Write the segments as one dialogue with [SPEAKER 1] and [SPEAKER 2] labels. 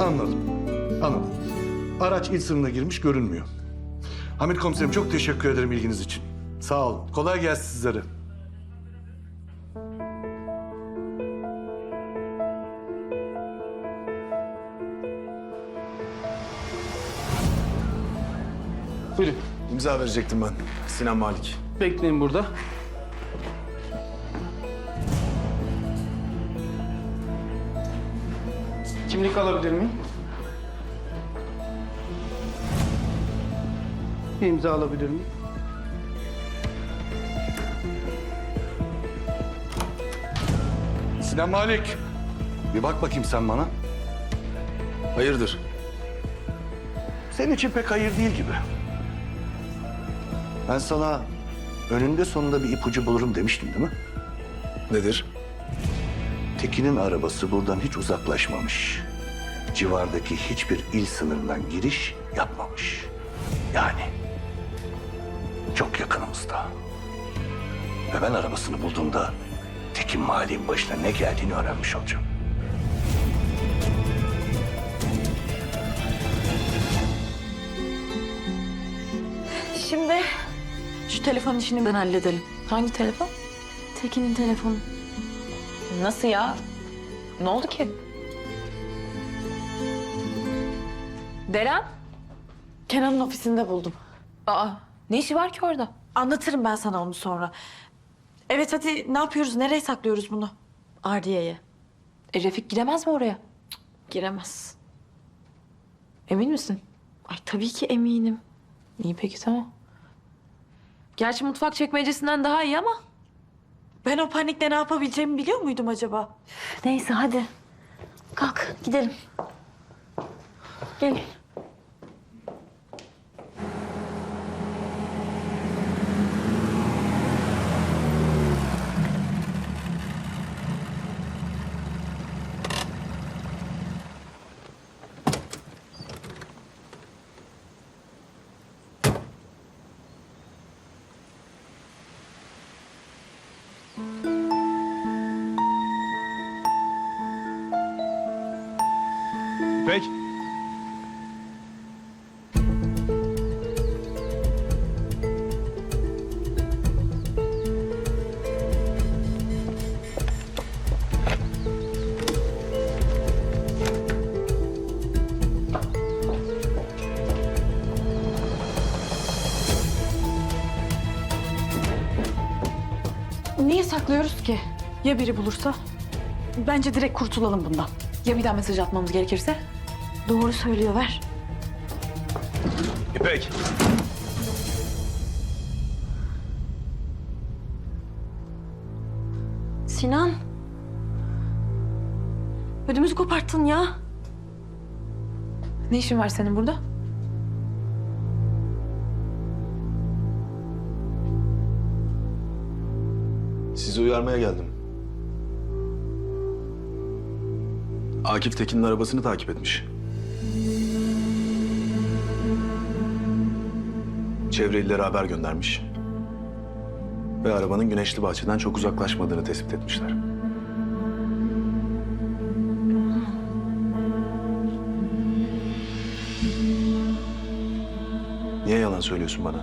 [SPEAKER 1] Anladım. Anladım. Araç il sınırına girmiş görünmüyor. Hamit komiserim çok teşekkür ederim ilginiz için. Sağ olun. Kolay gelsin sizlere.
[SPEAKER 2] Buyurun.
[SPEAKER 3] İmza verecektim ben. Sinan Malik.
[SPEAKER 2] Bekleyin burada. Kimlik alabilir miyim? Bir imza alabilir miyim?
[SPEAKER 1] Sinan Malik. Bir bak bakayım sen bana.
[SPEAKER 3] Hayırdır?
[SPEAKER 1] Senin için pek hayır değil gibi. Ben sana önünde sonunda bir ipucu bulurum demiştim değil mi?
[SPEAKER 3] Nedir?
[SPEAKER 1] Tekin'in arabası buradan hiç uzaklaşmamış. Civardaki hiçbir il sınırından giriş yapmamış. Yani çok yakınımızda. Ve ben arabasını bulduğumda Tekin Malik'in başına ne geldiğini öğrenmiş olacağım.
[SPEAKER 4] Şimdi şu telefon işini ben halledelim.
[SPEAKER 5] Hangi telefon?
[SPEAKER 4] Tekin'in telefonu.
[SPEAKER 5] Nasıl ya? Ne oldu ki? Deren?
[SPEAKER 4] Kenan'ın ofisinde buldum.
[SPEAKER 5] Aa, ne işi var ki orada?
[SPEAKER 4] Anlatırım ben sana onu sonra. Evet hadi ne yapıyoruz? Nereye saklıyoruz bunu? Ardiye'ye.
[SPEAKER 5] Refik giremez mi oraya?
[SPEAKER 4] Giremez.
[SPEAKER 5] Emin misin?
[SPEAKER 4] Ay tabii ki eminim.
[SPEAKER 5] İyi peki tamam. Gerçi mutfak çekmecesinden daha iyi ama.
[SPEAKER 4] Ben o panikle ne yapabileceğimi biliyor muydum acaba?
[SPEAKER 5] Neyse hadi. Kalk gidelim. Gel.
[SPEAKER 3] İpek.
[SPEAKER 4] Niye saklıyoruz ki? Ya biri bulursa? Bence direkt kurtulalım bundan.
[SPEAKER 5] Ya bir daha mesaj atmamız gerekirse?
[SPEAKER 4] Doğru söylüyor ver.
[SPEAKER 3] İpek.
[SPEAKER 4] Sinan. Ödümüzü koparttın ya.
[SPEAKER 5] Ne işin var senin burada?
[SPEAKER 3] Sizi uyarmaya geldim. Akif Tekin'in arabasını takip etmiş. Çevre illere haber göndermiş. Ve arabanın Güneşli Bahçe'den çok uzaklaşmadığını tespit etmişler. Niye yalan söylüyorsun bana?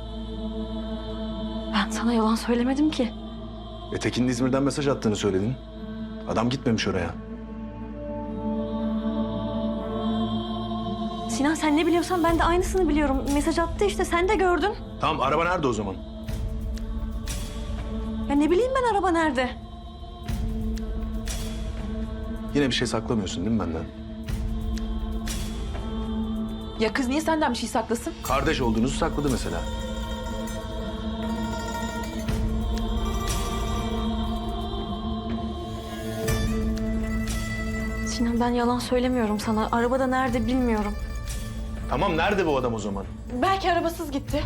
[SPEAKER 4] Ben sana yalan söylemedim ki.
[SPEAKER 3] Tekin'in İzmir'den mesaj attığını söyledin. Adam gitmemiş oraya.
[SPEAKER 4] Sinan sen ne biliyorsan ben de aynısını biliyorum. Mesaj attı işte sen de gördün.
[SPEAKER 3] Tamam, araba nerede o zaman?
[SPEAKER 4] Ya ne bileyim ben araba nerede?
[SPEAKER 3] Yine bir şey saklamıyorsun değil mi benden?
[SPEAKER 5] Ya kız niye senden bir şey saklasın?
[SPEAKER 3] Kardeş olduğunuzu sakladı mesela.
[SPEAKER 4] Sinan ben yalan söylemiyorum sana. Arabada nerede bilmiyorum.
[SPEAKER 3] Tamam, nerede bu adam o zaman?
[SPEAKER 4] Belki arabasız gitti.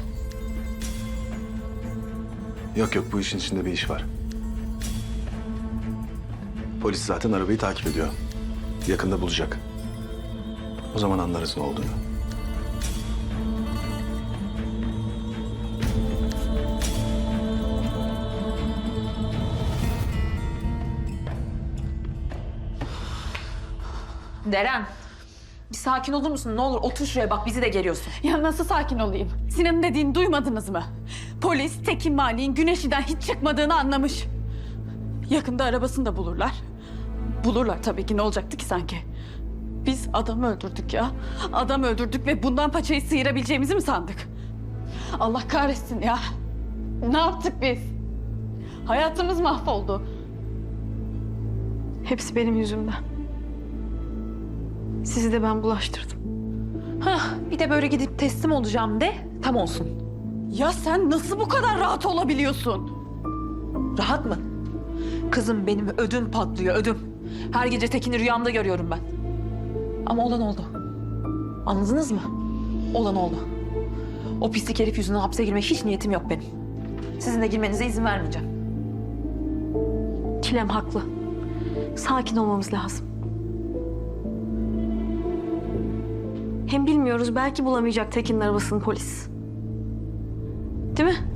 [SPEAKER 3] Yok yok, bu işin içinde bir iş var. Polis zaten arabayı takip ediyor. Yakında bulacak. O zaman anlarız ne olduğunu.
[SPEAKER 5] Deren. Bir sakin olur musun? Ne olur otur şuraya bak bizi de geriyorsun.
[SPEAKER 4] Ya nasıl sakin olayım? Sinan'ın dediğini duymadınız mı? Polis Tekin Mali'nin Güneşli'den hiç çıkmadığını anlamış. Yakında arabasını da bulurlar. Bulurlar tabii ki, ne olacaktı ki sanki? Biz adam öldürdük ya. Adam öldürdük ve bundan paçayı sıyırabileceğimizi mi sandık? Allah kahretsin ya. Ne yaptık biz? Hayatımız mahvoldu. Hepsi benim yüzümden. Sizi de ben bulaştırdım.
[SPEAKER 5] Hah, bir de böyle gidip teslim olacağım de tam olsun.
[SPEAKER 4] Ya sen nasıl bu kadar rahat olabiliyorsun?
[SPEAKER 5] Rahat mı? Kızım benim ödüm patlıyor, ödüm. Her gece Tekin'i rüyamda görüyorum ben. Ama olan oldu. Anladınız mı? Olan oldu. O pislik herif yüzünden hapse girmeye hiç niyetim yok benim. Sizin de girmenize izin vermeyeceğim.
[SPEAKER 4] Çilem haklı. Sakin olmamız lazım. Hem bilmiyoruz, belki bulamayacak Tekin'in arabasını polis. Değil mi?